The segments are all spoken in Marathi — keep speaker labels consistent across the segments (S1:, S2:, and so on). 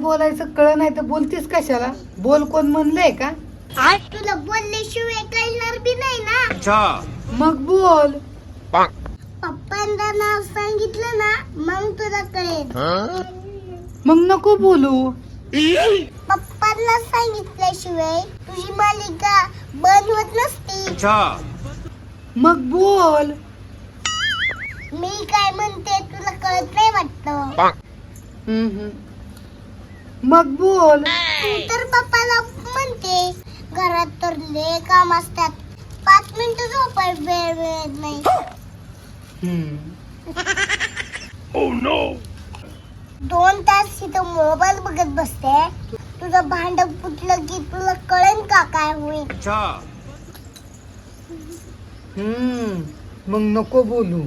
S1: बोलायचं कळ नाही तर बोलतीस कशाला? बोल कोण म्हणलंय का?
S2: तुला बोलल्याशिवाय कळणार बी नाही ना.
S1: मग बोल.
S2: पप्पांना नाव सांगितलं ना मग तुला कळेल.
S1: मग नको बोलू.
S2: पप्पांना सांगितल्याशिवाय तुझी मालिका बंद होत नसती.
S1: मग बोल.
S2: मी काय म्हणते तुला कळत नाही वाटतं.
S1: मग बोल.
S2: तू तर पप्पाला म्हणते घरात तर लय काम असतात, 5 मिनिटं झोपाय वेळ मिळत नाही.
S3: Oh no!
S2: 2 तास इथं मोबाईल बघत बसते. तुझं भांड फुटलं की तुला कळेल का काय होईल.
S1: मग नको बोलू.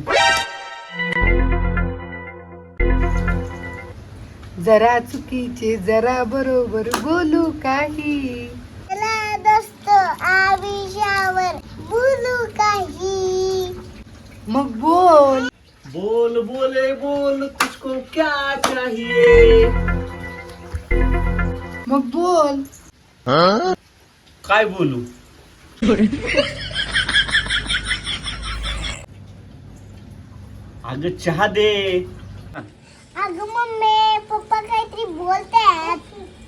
S1: जरा चुकीचे जरा बरोबर बोलू काही.
S2: चला दोस्त आविषयावर बोलू काही.
S1: मग बोल.
S3: बोल बोले बोल तुझको क्या चाहिए?
S1: मग बोल.
S3: काय बोलू? अगं चहा दे.
S2: अगं मम्मी पप्पा काहीतरी बोलतात.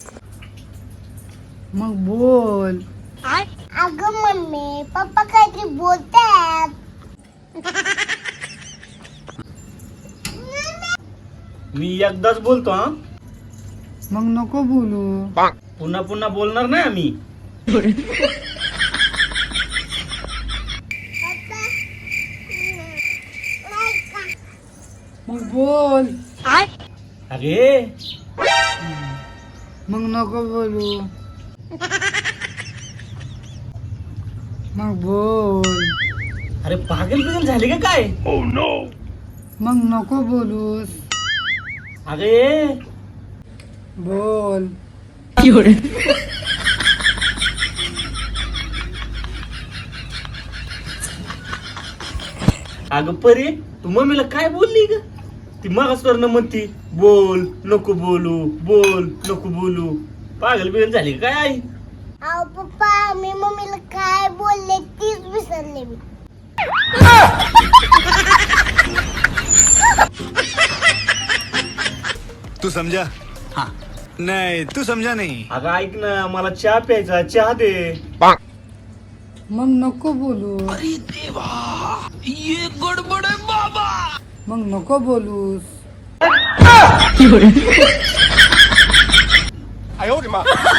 S1: मग बोल.
S2: अगं मम्मी पप्पा काहीतरी बोलतात.
S3: मी एकदाच बोलतो हा.
S1: मग नको बोलू.
S3: पुन्हा पुन्हा बोलणार नाही आम्ही.
S1: मग बोल.
S3: अरे
S1: मग नको बोलू. मग बोल.
S3: अरे पागल बिगल झाले का काय?
S1: मग नको बोलूस.
S3: अरे
S1: बोल.
S3: अगं परी तू मम्मीला काय बोलली ग? ती मागासवरनं म्हणती बोल नको बोलू, बोल नको बोलू. पागल बिगल झाली का काय आई?
S2: अहो पप्पा मी मम्मीला काय बोलले तीच विसरले मी.
S4: तू समझा? हाँ. नहीं तू समझा नहीं.
S3: अगं ऐक ना मला चहा प्यायचा, चहा दे.
S1: मग नको बोलू.
S4: ये गडबड है बाबा.
S1: मग नको बोलूस.
S4: 哎呦我的妈！